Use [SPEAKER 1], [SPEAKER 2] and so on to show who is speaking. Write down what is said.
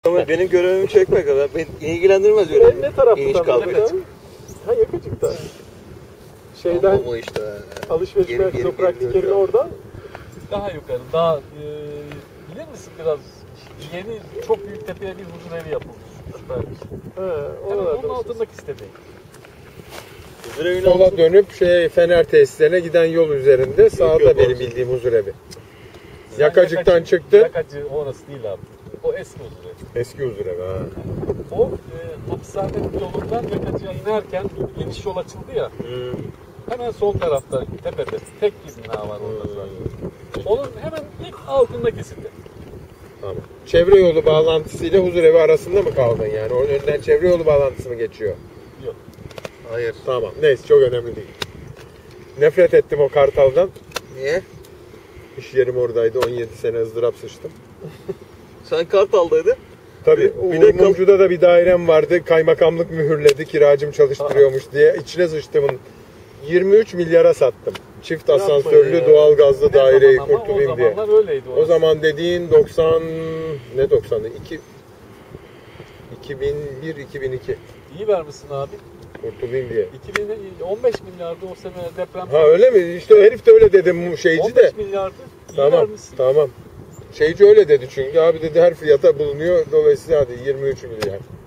[SPEAKER 1] Ama benim görevimi çekmek kadar beni ilgilendirmez öyle.
[SPEAKER 2] Ne tarafta
[SPEAKER 1] İniş
[SPEAKER 2] tam?
[SPEAKER 1] kalkıyor.
[SPEAKER 2] Ha, Yakacık'ta. Şeyden
[SPEAKER 1] o işte.
[SPEAKER 2] alışveriş merkezi, o praktik yerin oradan.
[SPEAKER 3] Daha yukarı, daha bilir misin biraz yeni çok büyük tepeye bir huzur evi yapılmış. Süpermiş. Hemen onun altındaki sitede.
[SPEAKER 4] Sola dönüp Fener tesislerine giden yol üzerinde sağda benim bildiğim huzurevi. Yakacık'tan çıktı.
[SPEAKER 3] Yakacı orası değil abi. O eski huzur evi.
[SPEAKER 4] Eski huzurevi ha.
[SPEAKER 3] O hapishane yolundan Yakacı'ya inerken geniş yol açıldı ya. Hemen sol tarafta tepede tek bir bina var orada zaten. Onun hemen ilk altındaki site.
[SPEAKER 4] Tamam. Çevre yolu bağlantısıyla huzurevi arasında mı kaldın yani? Onun önünden çevre yolu bağlantısı mı geçiyor?
[SPEAKER 3] Yok.
[SPEAKER 1] Hayır.
[SPEAKER 4] Tamam. Neyse, çok önemli değil. Nefret ettim o Kartal'dan.
[SPEAKER 1] Niye?
[SPEAKER 4] İş yerim oradaydı. 17 sene ızdırap sıçtım.
[SPEAKER 1] Sen Kartal'daydın.
[SPEAKER 4] Tabii.
[SPEAKER 1] Bir de
[SPEAKER 4] Mumcu'da da bir dairem vardı. Kaymakamlık mühürledi. Kiracım çalıştırıyormuş diye. İçine sıçtımın 23 milyara sattım. Çift asansörlü doğalgazlı daireyi kurtulayım diye.
[SPEAKER 3] O zamanlar öyleydi orası.
[SPEAKER 4] O zaman dediğin 90 ne 90'ı? 2001-2002.
[SPEAKER 3] İyi vermişsin abi.
[SPEAKER 4] Kurtulayım diye.
[SPEAKER 3] 15 milyardı o sene deprem.
[SPEAKER 4] Ha, öyle mi? İşte o herif de öyle dedi, şeyci
[SPEAKER 3] 15
[SPEAKER 4] de.
[SPEAKER 3] milyardı. İyi
[SPEAKER 4] Tamam,
[SPEAKER 3] vermişsin.
[SPEAKER 4] tamam. Şeyci öyle dedi çünkü. Abi dedi, her fiyata bulunuyor. Dolayısıyla hadi 23 milyar.